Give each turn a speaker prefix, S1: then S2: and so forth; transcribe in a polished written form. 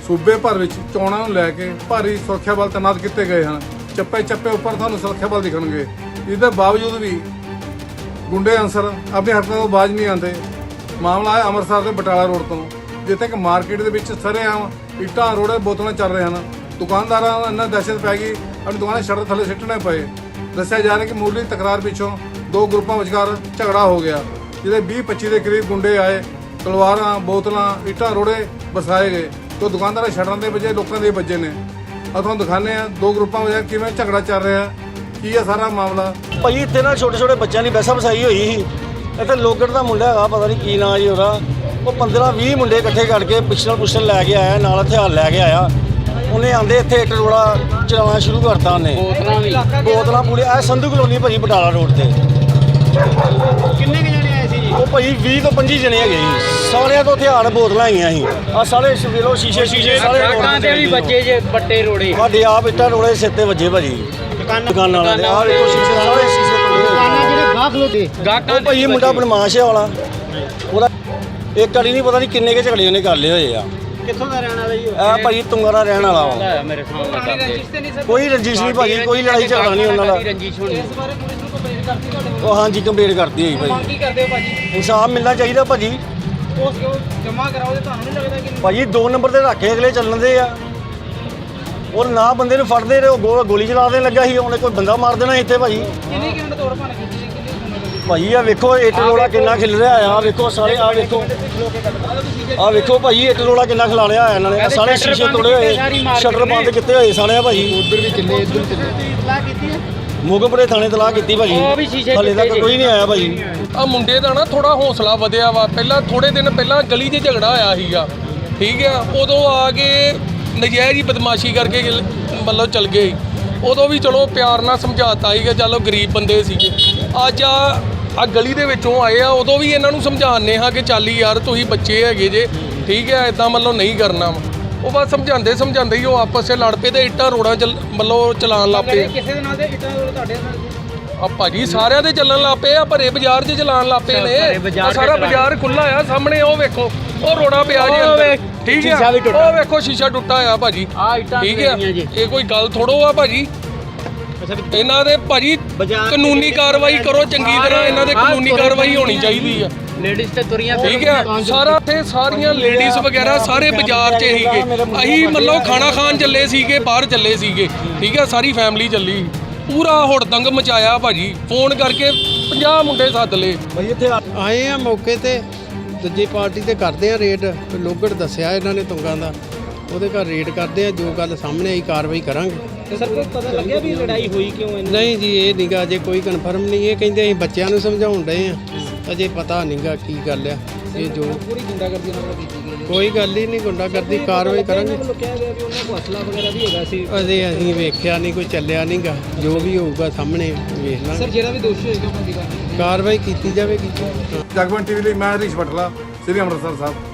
S1: सूबे भर में चोणों को लैके भारी सुरक्षा बल तैनात किए गए हैं। चप्पे चप्पे उपर थानू सुरक्षा बल दिखणगे। इसके बावजूद भी गुंडे अंसर अपनी हरकतों को बाज नहीं आते। मामला है अमृतसर के बटाला रोड तो, जिथे कि मार्केट के सरेआम इट्टां रोड़े बोतलें चल रहे हैं। दुकानदारों को इन्ना दहशत पै गई, अपनी दुकानें शटर थले सिੱਟਣੇ पए। दस्या जा रहा है कि मुरली तकरार पिछों दो ग्रुपों विचकार झगड़ा हो गया, जिसे 20-25 के करीब गुंडे आए, तलवारां बोतलां इट्टां रोड़े बरसाए गए। तो दुकानदार शटरां के बजे लोगों के बजे ने। और तुहानूं दिखाने दो ग्रुपों में किवें झगड़ा चल रहा है, की है सारा मामला।
S2: भाई इतने ना छोटे छोटे बच्चों की बहसा बसाई हुई ही। इतने लोगड़ का मुंडा है, पता नहीं की नाम जी ਉਹਦਾ। वो 15-20 मुंडे इकट्ठे करके पिछल लैके आया, नाल हथियार लैके आया। उन्हें आंदे इत्थे इट रोड़ा चलाना शुरू करता। उन्हें बोतलां पूरी संधू कलोनी भाई बटाला रोड से।
S3: किन्ने के जने आए सी जी?
S2: वो भाई 20 ਤੋਂ 25 जने है जी। सारे तो हथियार बोतल आईया ही। आ सारे वेलो शीशे सारे
S3: दुकान भी बच्चे जे बट्टे रोड़े
S2: साडे आप इट्टां रोड़े सिर ते वजे भाजी दुकान वाले दे। आ देखो शीशे सारे शीशे तोड़े। भाई मुंडा बदमाश है वाला। ਉਹਦਾ ਇੱਕ ਕੜੀ ਨਹੀਂ ਪਤਾ ਨਹੀਂ ਕਿੰਨੇ ਕੇ ਝਗੜੇ ਉਹਨੇ ਕਰ ਲਏ ਹੋਏ ਆ।
S3: ਕਿੱਥੋਂ ਦਾ ਰਹਿਣ ਵਾਲਾ ਜੀ?
S2: ਇਹ ਭਾਈ ਤੁੰਗਾ ਦਾ ਰਹਿਣ ਵਾਲਾ ਵਾ।
S3: ਮੇਰੇ ਸਾਹਮਣੇ
S2: ਕੋਈ ਰੰਜਿਸ਼ ਨਹੀਂ ਭਾਜੀ, ਕੋਈ ਲੜਾਈ ਝਗੜਾ ਨਹੀਂ ਉਹਨਾਂ ਦਾ।
S3: ਰੰਜਿਸ਼ ਹੋਣੀ। ਇਸ ਬਾਰੇ ਪੁਲਿਸ ਨੂੰ ਕੰਪਲੇਂਟ ਕਰਤੀ ਤੁਹਾਡੇ?
S2: ਉਹ ਹਾਂਜੀ ਕੰਪਲੀਟ ਕਰਤੀ ਹੋਈ ਭਾਜੀ।
S3: ਕੀ ਕਰਦੇ ਹੋ ਭਾਜੀ?
S2: ਇਨਸਾਫ ਮਿਲਣਾ ਚਾਹੀਦਾ ਭਾਜੀ।
S3: ਉਸ ਕਿਉਂ ਜਮਾ ਕਰਾਓ ਤੇ ਤੁਹਾਨੂੰ ਨਹੀਂ ਲੱਗਦਾ ਕਿ
S2: ਭਾਜੀ 2 ਨੰਬਰ ਤੇ ਰੱਖੇ ਅਗਲੇ ਚੱਲਣ ਦੇ ਆ। ਉਹ ਨਾ ਬੰਦੇ ਨੂੰ ਫੜਦੇ ਰਹੇ, ਉਹ ਗੋਲੀ ਚਲਾ ਦੇਣ ਲੱਗਾ ਸੀ। ਉਹਨੇ ਕੋਈ ਬੰਦਾ ਮਾਰ ਦੇਣਾ ਇੱਥੇ ਭਾਜੀ।
S3: ਕਿੰਨੀ ਕਿੰਨ ਤੋੜ ਭੰਨ ਕੀਤੀ ਜੀ? ਕਿੰਨੀ
S2: ਭਾਜੀ ਆ ਵੇਖੋ ਇੱਟ ਰੋੜਾ ਕਿੰਨਾ ਖਿਲ ਰਿਹਾ ਆ। ਵੇਖੋ ਸਾਰੇ ਆ ਵੇਖੋ, ਆ ਵੇਖੋ ਭਾਜੀ ਇੱਟ ਰੋੜਾ ਕਿੰਨਾ ਖਿਲਾ ਲਿਆ ਇਹਨਾਂ ਨੇ। ਸਾਰੇ ਸ਼ੀਸ਼ੇ ਤੋੜੇ ਹੋਏ, ਸ਼ਟਰ ਬੰਦ ਕੀਤੇ ਹੋਏ ਸਾਰੇ ਆ ਭਾਜੀ।
S1: उधर भी किले इधर किले
S3: ਇਤਲਾਹ ਕੀਤੀ ਹੈ?
S2: ਮੋਗਮਪੁਰੇ ਥਾਣੇ ਤਲਾਹ ਕੀਤੀ ਭਾਜੀ।
S3: ਉਹ ਵੀ ਸ਼ੀਸ਼ੇ
S2: ਹਲੇ ਤੱਕ ਕੋਈ ਨਹੀਂ ਆਇਆ ਭਾਜੀ।
S4: ਆ ਮੁੰਡੇ ਦਾ ਨਾ ਥੋੜਾ ਹੌਸਲਾ ਵਧਿਆ ਵਾ। ਪਹਿਲਾਂ ਥੋੜੇ ਦਿਨ ਪਹਿਲਾਂ ਗਲੀ 'ਚ ਝਗੜਾ ਹੋਇਆ ਸੀਗਾ, ਠੀਕ ਆ। ਉਦੋਂ ਆ ਕੇ ਨਜਾਇਜ਼ ਹੀ ਬਦਮਾਸ਼ੀ ਕਰਕੇ ਮਤਲਬ ਚਲ ਗਏ। ਉਦੋਂ ਵੀ ਚਲੋ ਪਿਆਰ ਨਾਲ ਸਮਝਾਤਾ ਸੀਗਾ, ਚਲੋ ਗਰੀਬ ਬੰਦੇ ਸੀਗੇ। ਅੱਜ ਆ ਗਲੀ ਦੇ ਵਿੱਚੋਂ ਆਏ ਆ, ਉਦੋਂ ਵੀ ਇਹਨਾਂ ਨੂੰ ਸਮਝਾਉਂਦੇ ਹਾਂ ਕਿ ਚੱਲ ਯਾਰ ਤੁਸੀਂ ਬੱਚੇ ਹੈਗੇ ਜੇ, ਠੀਕ ਹੈ, ਇਦਾਂ ਮਤਲਬ ਨਹੀਂ ਕਰਨਾ ਵਾ। ਉਹ ਬਸ ਸਮਝਾਉਂਦੇ ਹੀ ਉਹ ਆਪਸ 'ਚ ਲੜ ਪਏ ਤੇ ਇੱਟਾਂ ਰੋੜਾਂ ਮਤਲਬ ਚਲਾਉਣ ਲੱਗ ਪਏ।
S3: ਕਿਸੇ ਦੇ ਨਾਲ ਦੇ ਇੱਟਾਂ ਤੁਹਾਡੇ ਨਾਲ?
S4: ਆ ਭਾਜੀ ਸਾਰਿਆਂ ਦੇ ਚੱਲਣ ਲੱਗ ਪਏ ਆ, ਭਰੇ ਬਾਜ਼ਾਰ 'ਚ ਚਲਾਉਣ ਲੱਗ ਪਏ ਨੇ। ਆਹ ਸਾਰਾ ਬਾਜ਼ਾਰ ਖੁੱਲਾ ਆ ਸਾਹਮਣੇ, ਉਹ ਵੇਖੋ ਉਹ ਰੋੜਾ ਪਿਆ ਜੀ ਅੰਦਰ, ਠੀਕ ਆ। ਉਹ ਵੇਖੋ ਸ਼ੀਸ਼ਾ ਟੁੱਟਾ ਆ ਭਾਜੀ, ਠੀਕ ਆ। ਇਹ ਕੋਈ ਗੱਲ ਥੋੜੋ ਆ ਭਾਜੀ। ਇਹਨਾਂ ਦੇ ਭਾਜੀ ਕਾਨੂੰਨੀ ਕਾਰਵਾਈ ਕਰੋ ਚੰਗੀ ਤਰ੍ਹਾਂ। ਇਹਨਾਂ ਦੇ ਕਾਨੂੰਨੀ ਕਾਰਵਾਈ ਹੋਣੀ ਚਾਹੀਦੀ ਆ।
S3: ਲੇਡੀਜ਼ ਤੇ ਤੁਰੀਆਂ
S4: ਠੀਕ ਆ। ਸਾਰਾ ਇੱਥੇ ਸਾਰੀਆਂ ਲੇਡੀਜ਼ ਵਗੈਰਾ ਸਾਰੇ ਬਾਜ਼ਾਰ 'ਚ ਸੀਗੇ। ਅਸੀਂ ਮਤਲਬ ਖਾਣਾ ਖਾਣ ਚੱਲੇ ਸੀਗੇ, ਬਾਹਰ ਚੱਲੇ ਸੀਗੇ, ਠੀਕ ਆ। ਸਾਰੀ ਫੈਮਿਲੀ ਚੱਲੀ, ਪੂਰਾ ਹੁੜਦੰਗ ਮਚਾਇਆ ਭਾਜੀ। ਫੋਨ ਕਰਕੇ 50 ਮੁੰਡੇ ਸੱਦ ਲਏ
S2: ਭਾਈ ਇੱਥੇ
S5: ਆਏ ਆ ਮੌਕੇ ਤੇ, ਦੂਜੀ ਪਾਰਟੀ ਤੇ ਕਰਦੇ ਆ ਰੇਡ। ਲੋਗੜ ਦੱਸਿਆ ਇਹਨਾਂ ਨੇ ਤੁੰਗਾਂ ਦਾ, ਉਹਦੇ ਘਰ ਰੇਡ ਕਰਦੇ ਆ। ਜੋ ਗੱਲ ਸਾਹਮਣੇ ਆਈ ਕਾਰਵਾਈ ਕਰਾਂਗੇ।
S3: ਤੇ ਸਰ ਕੋਈ ਪਤਾ ਲੱਗਿਆ ਵੀ ਲੜਾਈ ਹੋਈ ਕਿਉਂ ਹੈ?
S5: ਨਹੀਂ ਜੀ ਇਹ ਨੀਗਾ ਅਜੇ ਕੋਈ ਕਨਫਰਮ ਨਹੀਂ। ਇਹ ਕਹਿੰਦੇ ਅਸੀਂ ਬੱਚਿਆਂ ਨੂੰ ਸਮਝਾਉਣ ਡਏ ਆ, ਅਜੇ ਪਤਾ ਨਹੀਂਗਾ ਕੀ ਗੱਲ ਆ। ਇਹ ਜੋ
S3: ਪੂਰੀ ਗੁੰਡਾਗਰਦੀ ਨਾਲ ਕੀਤੀ ਗਈ ਹੈ।
S5: ਕੋਈ ਗੱਲ ਹੀ ਨਹੀਂ, ਗੁੰਡਾਗਰਦੀ ਕਾਰਵਾਈ ਕਰਾਂਗੇ।
S3: ਕਿਹਾ ਗਿਆ ਵੀ ਉਹਨਾਂ ਕੋਲ ਅਸਲਾ ਵਗੈਰਾ ਵੀ ਹੈਗਾ ਸੀ।
S5: ਅਜੇ ਅਸੀਂ ਵੇਖਿਆ ਨਹੀਂ, ਕੋਈ ਚੱਲਿਆ ਨਹੀਂਗਾ। ਜੋ ਵੀ ਹੋਊਗਾ ਸਾਹਮਣੇ ਵੇਖ ਲਾਂਗੇ।
S3: ਸਰ ਜਿਹੜਾ ਵੀ ਦੋਸ਼ੀ ਹੋਏਗਾ ਉਹਦੀ
S5: ਕਾਰਵਾਈ ਕੀਤੀ ਜਾਵੇਗੀ।
S1: जगबानी टीवी लिए मैं हरीश बटला, श्री अमृतसर साहब।